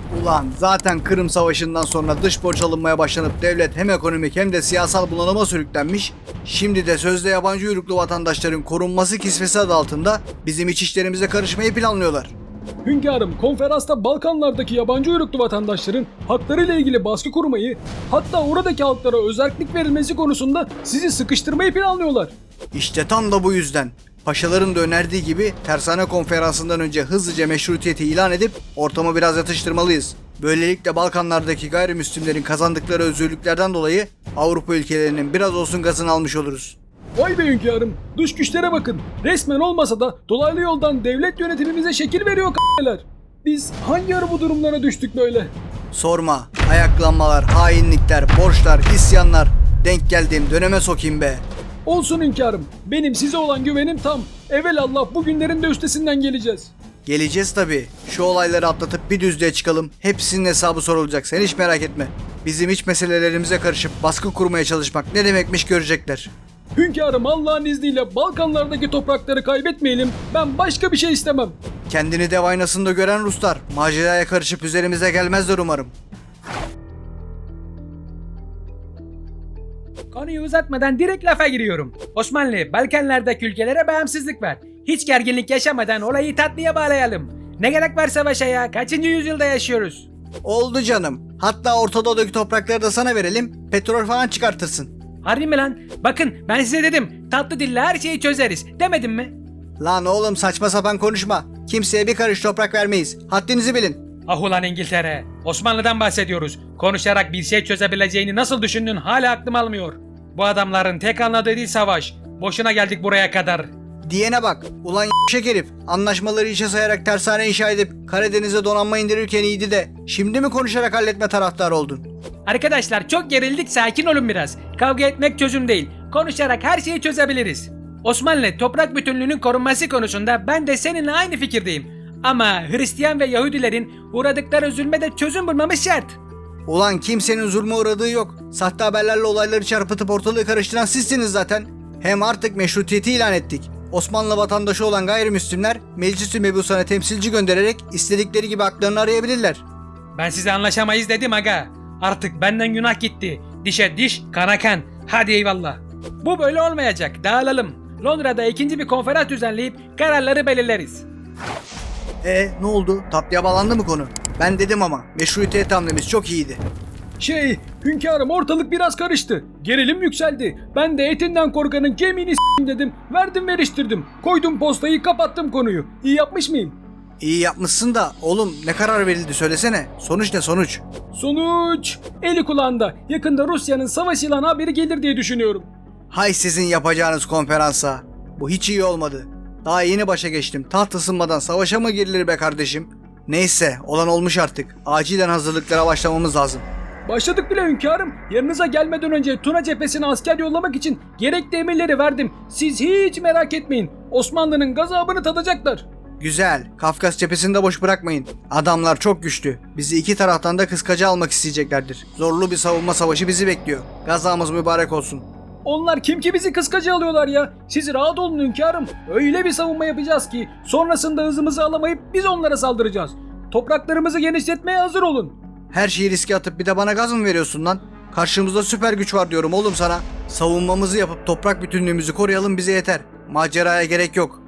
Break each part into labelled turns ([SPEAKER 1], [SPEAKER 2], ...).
[SPEAKER 1] Ulan zaten Kırım Savaşı'ndan sonra dış borç alınmaya başlanıp devlet hem ekonomik hem de siyasal bunalıma sürüklenmiş. Şimdi de sözde yabancı uyruklu vatandaşların korunması kisvesi adı altında bizim iç işlerimize karışmayı planlıyorlar.
[SPEAKER 2] Hünkârım, konferansta Balkanlardaki yabancı uyruklu vatandaşların haklarıyla ilgili baskı kurmayı, hatta oradaki halklara özellik verilmesi konusunda sizi sıkıştırmayı planlıyorlar.
[SPEAKER 1] İşte tam da bu yüzden paşaların da önerdiği gibi tersane konferansından önce hızlıca meşrutiyeti ilan edip ortamı biraz yatıştırmalıyız. Böylelikle Balkanlardaki gayrimüslimlerin kazandıkları özgürlüklerden dolayı Avrupa ülkelerinin biraz olsun gazını almış oluruz.
[SPEAKER 2] Vay be hünkârım, dış güçlere bakın. Resmen olmasa da dolaylı yoldan devlet yönetimimize şekil veriyor k***ler. Biz hangi ara bu durumlara düştük böyle?
[SPEAKER 1] Sorma, ayaklanmalar, hainlikler, borçlar, isyanlar. Denk geldiğim döneme sokayım be.
[SPEAKER 2] Olsun hünkârım, benim size olan güvenim tam. Evelallah bu günlerin de üstesinden geleceğiz.
[SPEAKER 1] Geleceğiz tabii. Şu olayları atlatıp bir düzlüğe çıkalım. Hepsinin hesabı sorulacak. Sen hiç merak etme. Bizim iç meselelerimize karışıp baskı kurmaya çalışmak ne demekmiş görecekler.
[SPEAKER 2] Hünkârım, Allah'ın izniyle Balkanlardaki toprakları kaybetmeyelim. Ben başka bir şey istemem.
[SPEAKER 1] Kendini dev aynasında gören Ruslar maceraya karışıp üzerimize gelmezler umarım.
[SPEAKER 3] Konuyu uzatmadan direkt lafa giriyorum. Osmanlı, Balkanlardaki ülkelere bağımsızlık ver. Hiç gerginlik yaşamadan olayı tatlıya bağlayalım. Ne gerek var savaşa ya? Kaçıncı yüzyılda yaşıyoruz?
[SPEAKER 1] Oldu canım. Hatta Orta Doğu'daki toprakları da sana verelim. Petrol falan çıkartırsın.
[SPEAKER 3] Harbi mi lan? Bakın ben size dedim. Tatlı dille her şeyi çözeriz. Demedim mi?
[SPEAKER 1] Lan oğlum saçma sapan konuşma. Kimseye bir karış toprak vermeyiz. Haddinizi bilin.
[SPEAKER 3] Ah ulan İngiltere. Osmanlı'dan bahsediyoruz. Konuşarak bir şey çözebileceğini nasıl düşündün hala aklım almıyor. Bu adamların tek anladığı değil savaş. Boşuna geldik buraya kadar.
[SPEAKER 1] Diyene bak. Ulan y**şek herif. Anlaşmaları işe sayarak tersane inşa edip Karadeniz'e donanma indirirken iyiydi de. Şimdi mi konuşarak halletme taraftarı oldun?
[SPEAKER 3] Arkadaşlar çok gerildik, sakin olun biraz. Kavga etmek çözüm değil. Konuşarak her şeyi çözebiliriz. Osmanlı toprak bütünlüğünün korunması konusunda ben de seninle aynı fikirdeyim. Ama Hristiyan ve Yahudilerin uğradıkları zulme de çözüm bulmamız şart.
[SPEAKER 1] Ulan kimsenin zulme uğradığı yok. Sahte haberlerle olayları çarpıtıp ortalığı karıştıran sizsiniz zaten. Hem artık meşrutiyeti ilan ettik. Osmanlı vatandaşı olan gayrimüslimler Meclis-i Mebusan'a temsilci göndererek istedikleri gibi haklarını arayabilirler.
[SPEAKER 3] Ben size anlaşamayız dedim aga. Artık benden günah gitti. Dişe diş, kana kan. Hadi eyvallah. Bu böyle olmayacak. Dağılalım. Londra'da ikinci bir konferans düzenleyip kararları belirleriz.
[SPEAKER 1] Ne oldu? Tatlıya bağlandı mı konu? Ben dedim ama meşrutiyet hamlemiz çok iyiydi.
[SPEAKER 2] Hünkârım, ortalık biraz karıştı. Gerilim yükseldi. Ben de etinden korkanın kemiğini s**eyim dedim. Verdim veriştirdim. Koydum postayı, kapattım konuyu. İyi yapmış mıyım?
[SPEAKER 1] İyi yapmışsın da oğlum ne karar verildi söylesene. Sonuç ne sonuç?
[SPEAKER 2] Sonuç eli kulağında. Yakında Rusya'nın savaş ilanı haberi gelir diye düşünüyorum.
[SPEAKER 1] Hay sizin yapacağınız konferansa. Bu hiç iyi olmadı. Daha yeni başa geçtim. Taht ısınmadan savaşa mı girilir be kardeşim? Neyse olan olmuş artık. Acilen hazırlıklara başlamamız lazım.
[SPEAKER 2] Başladık bile hünkârım. Yanınıza gelmeden önce Tuna cephesine asker yollamak için gerekli emirleri verdim. Siz hiç merak etmeyin. Osmanlı'nın gazabını tadacaklar.
[SPEAKER 1] Güzel. Kafkas cephesini de boş bırakmayın. Adamlar çok güçlü. Bizi iki taraftan da kıskaca almak isteyeceklerdir. Zorlu bir savunma savaşı bizi bekliyor. Gazamız mübarek olsun.
[SPEAKER 2] Onlar kim ki bizi kıskacı alıyorlar ya? Siz rahat olun hünkârım. Öyle bir savunma yapacağız ki sonrasında hızımızı alamayıp biz onlara saldıracağız. Topraklarımızı genişletmeye hazır olun.
[SPEAKER 1] Her şeyi riske atıp bir de bana gaz mı veriyorsun lan? Karşımızda süper güç var diyorum oğlum sana. Savunmamızı yapıp toprak bütünlüğümüzü koruyalım bize yeter. Maceraya gerek yok.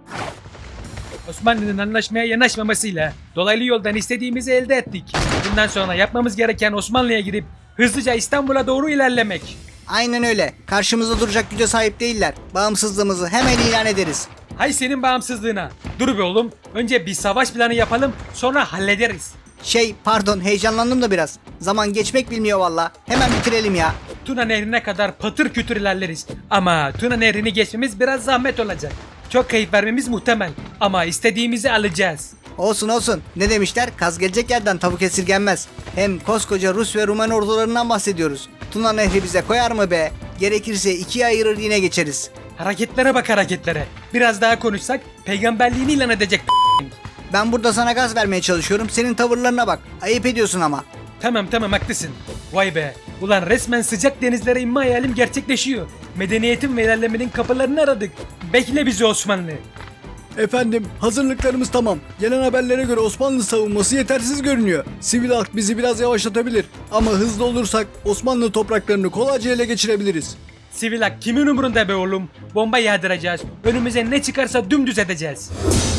[SPEAKER 3] Osmanlı'nın anlaşmaya yanaşmamasıyla dolaylı yoldan istediğimizi elde ettik. Bundan sonra yapmamız gereken Osmanlı'ya gidip hızlıca İstanbul'a doğru ilerlemek.
[SPEAKER 1] Aynen öyle. Karşımızda duracak güce sahip değiller. Bağımsızlığımızı hemen ilan ederiz.
[SPEAKER 3] Hay senin bağımsızlığına. Dur be oğlum. Önce bir savaş planı yapalım, sonra hallederiz.
[SPEAKER 1] Pardon heyecanlandım da biraz. Zaman geçmek bilmiyor valla. Hemen bitirelim ya.
[SPEAKER 3] Tuna Nehri'ne kadar patır kütür ilerleriz. Ama Tuna Nehri'ni geçmemiz biraz zahmet olacak. Çok kayıp vermemiz muhtemel. Ama istediğimizi alacağız.
[SPEAKER 1] Olsun olsun. Ne demişler? Kaz gelecek yerden tavuk esirgenmez. Hem koskoca Rus ve Rumen ordularından bahsediyoruz. Tuna Nehri bize koyar mı be? Gerekirse ikiye ayırır yine geçeriz.
[SPEAKER 3] Hareketlere bak hareketlere. Biraz daha konuşsak peygamberliğini ilan edecek.
[SPEAKER 1] Ben burada sana gaz vermeye çalışıyorum. Senin tavırlarına bak. Ayıp ediyorsun ama.
[SPEAKER 3] Tamam haklısın. Vay be. Ulan resmen sıcak denizlere inme hayalim gerçekleşiyor. Medeniyetin ve ilerlemenin kapılarını aradık. Bekle bizi Osmanlı.
[SPEAKER 1] Efendim, hazırlıklarımız tamam. Gelen haberlere göre Osmanlı savunması yetersiz görünüyor. Sivil halk bizi biraz yavaşlatabilir. Ama hızlı olursak Osmanlı topraklarını kolayca ele geçirebiliriz.
[SPEAKER 3] Sivil hak kimin umurunda be oğlum? Bomba yağdıracağız. Önümüze ne çıkarsa dümdüz edeceğiz.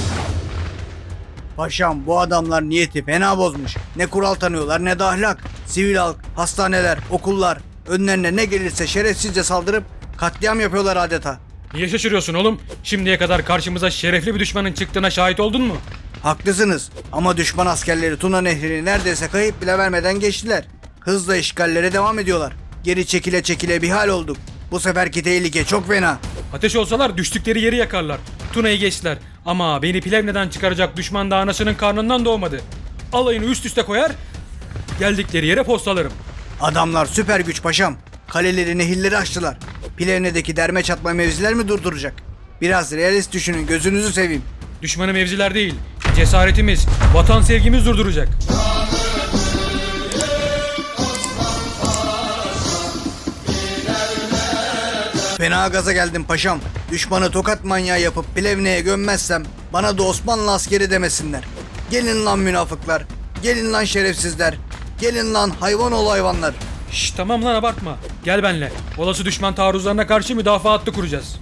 [SPEAKER 1] Paşam, bu adamlar niyeti fena bozmuş. Ne kural tanıyorlar ne de ahlak. Sivil halk, hastaneler, okullar önlerine ne gelirse şerefsizce saldırıp katliam yapıyorlar adeta.
[SPEAKER 2] Niye şaşırıyorsun oğlum? Şimdiye kadar karşımıza şerefli bir düşmanın çıktığına şahit oldun mu?
[SPEAKER 1] Haklısınız ama düşman askerleri Tuna Nehri'ni neredeyse kayıp bile vermeden geçtiler. Hızla işgallere devam ediyorlar. Geri çekile çekile bir hal olduk. Bu seferki tehlike çok fena.
[SPEAKER 2] Ateş olsalar düştükleri yeri yakarlar. Tuna'yı geçtiler. Ama beni Plevne'den çıkaracak düşman da anasının karnından doğmadı. Alayını üst üste koyar, geldikleri yere postalarım.
[SPEAKER 1] Adamlar süper güç paşam. Kaleleri, nehirleri açtılar. Plevne'deki derme çatma mevziler mi durduracak? Biraz realist düşünün, gözünüzü seveyim.
[SPEAKER 2] Düşmanı mevziler değil, cesaretimiz, vatan sevgimiz durduracak.
[SPEAKER 1] Fena gaza geldim paşam. Düşmanı tokat manyağı yapıp Plevne'ye gömmezsem bana da Osmanlı askeri demesinler. Gelin lan münafıklar. Gelin lan şerefsizler. Gelin lan hayvan ol hayvanlar.
[SPEAKER 2] Şşş tamam lan abartma. Gel benle. Olası düşman taarruzlarına karşı müdafaa hattı kuracağız.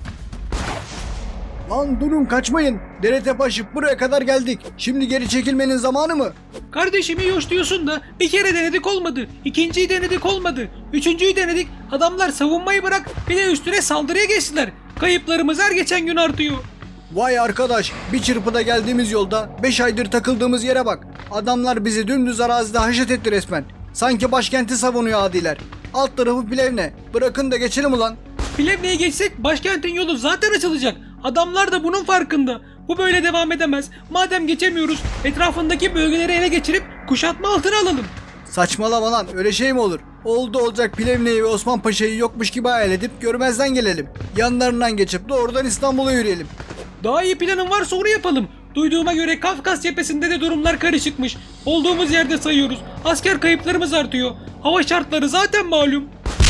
[SPEAKER 1] Lan durun, kaçmayın. Dere tepe aşıp buraya kadar geldik. Şimdi geri çekilmenin zamanı mı?
[SPEAKER 3] Kardeşimi yoş diyorsun da bir kere denedik olmadı. İkinciyi denedik olmadı. Üçüncüyü denedik. Adamlar savunmayı bırak bir de üstüne saldırıya geçtiler. Kayıplarımız her geçen gün artıyor.
[SPEAKER 1] Vay arkadaş, bir çırpıda geldiğimiz yolda 5 aydır takıldığımız yere bak. Adamlar bizi dümdüz arazide haşet etti resmen. Sanki başkenti savunuyor adiler. Alt tarafı Plevne. Bırakın da geçelim ulan.
[SPEAKER 3] Plevne'ye geçsek başkentin yolu zaten açılacak. Adamlar da bunun farkında. Bu böyle devam edemez. Madem geçemiyoruz etrafındaki bölgeleri ele geçirip kuşatma altına alalım.
[SPEAKER 1] Saçmalama lan, öyle şey mi olur? Oldu olacak Plevne'yi ve Osman Paşa'yı yokmuş gibi hayal edip görmezden gelelim. Yanlarından geçip doğrudan İstanbul'a yürüyelim.
[SPEAKER 3] Daha iyi planın varsa onu yapalım. Duyduğuma göre Kafkas cephesinde de durumlar karışıkmış. Olduğumuz yerde sayıyoruz. Asker kayıplarımız artıyor. Hava şartları zaten malum.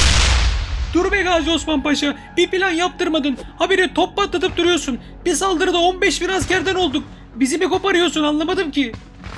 [SPEAKER 3] Dur be Gazi Osman Paşa. Bir plan yaptırmadın. Habire top patlatıp duruyorsun. Bir saldırıda 15 bin askerden olduk. Bizi mi koparıyorsun anlamadım ki.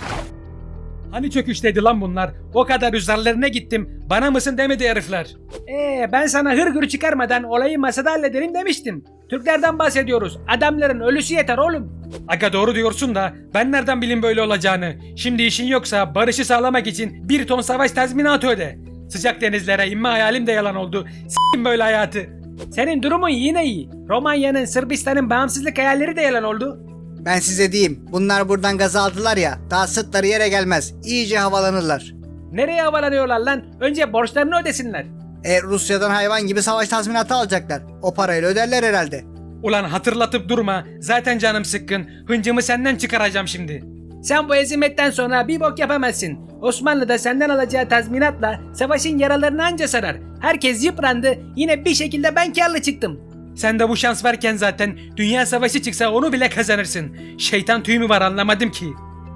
[SPEAKER 3] Hani çöküşteydi lan bunlar? O kadar üzerlerine gittim. Bana mısın demedi herifler. Ben sana hırgür çıkarmadan olayı masada hallederim demiştim. Türklerden bahsediyoruz. Adamların ölüsü yeter oğlum. Aga doğru diyorsun da ben nereden bileyim böyle olacağını? Şimdi işin yoksa barışı sağlamak için 1 ton savaş tazminatı öde. Sıcak denizlere inme hayalim de yalan oldu. S**tim böyle hayatı. Senin durumun yine iyi. Romanya'nın, Sırbistan'ın bağımsızlık hayalleri de yalan oldu.
[SPEAKER 1] Ben size diyeyim, bunlar buradan gaz aldılar ya, daha sırtları yere gelmez. İyice havalanırlar.
[SPEAKER 3] Nereye havalanıyorlar lan? Önce borçlarını ödesinler.
[SPEAKER 1] Rusya'dan hayvan gibi savaş tazminatı alacaklar. O parayla öderler herhalde.
[SPEAKER 3] Ulan hatırlatıp durma. Zaten canım sıkkın. Hıncımı senden çıkaracağım şimdi. Sen bu ezimetten sonra bir bok yapamazsın. Osmanlı da senden alacağı tazminatla savaşın yaralarını anca sarar. Herkes yıprandı. Yine bir şekilde ben kârlı çıktım. Sen de bu şans varken zaten dünya savaşı çıksa onu bile kazanırsın. Şeytan tüyü mü var anlamadım ki.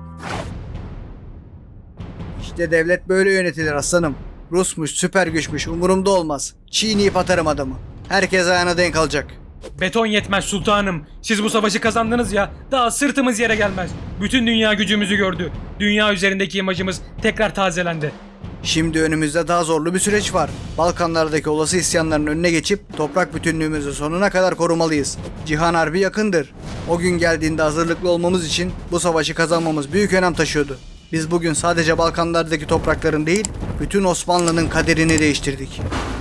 [SPEAKER 1] İşte devlet böyle yönetilir aslanım. Rusmuş, süper güçmüş, umurumda olmaz. Çiğneyip atarım adamı. Herkes ayağına denk alacak.
[SPEAKER 2] Beton yetmez sultanım. Siz bu savaşı kazandınız ya, daha sırtımız yere gelmez. Bütün dünya gücümüzü gördü. Dünya üzerindeki imajımız tekrar tazelendi.
[SPEAKER 1] Şimdi önümüzde daha zorlu bir süreç var. Balkanlardaki olası isyanların önüne geçip toprak bütünlüğümüzü sonuna kadar korumalıyız. Cihan Harbi yakındır. O gün geldiğinde hazırlıklı olmamız için bu savaşı kazanmamız büyük önem taşıyordu. Biz bugün sadece Balkanlardaki toprakların değil, bütün Osmanlı'nın kaderini değiştirdik.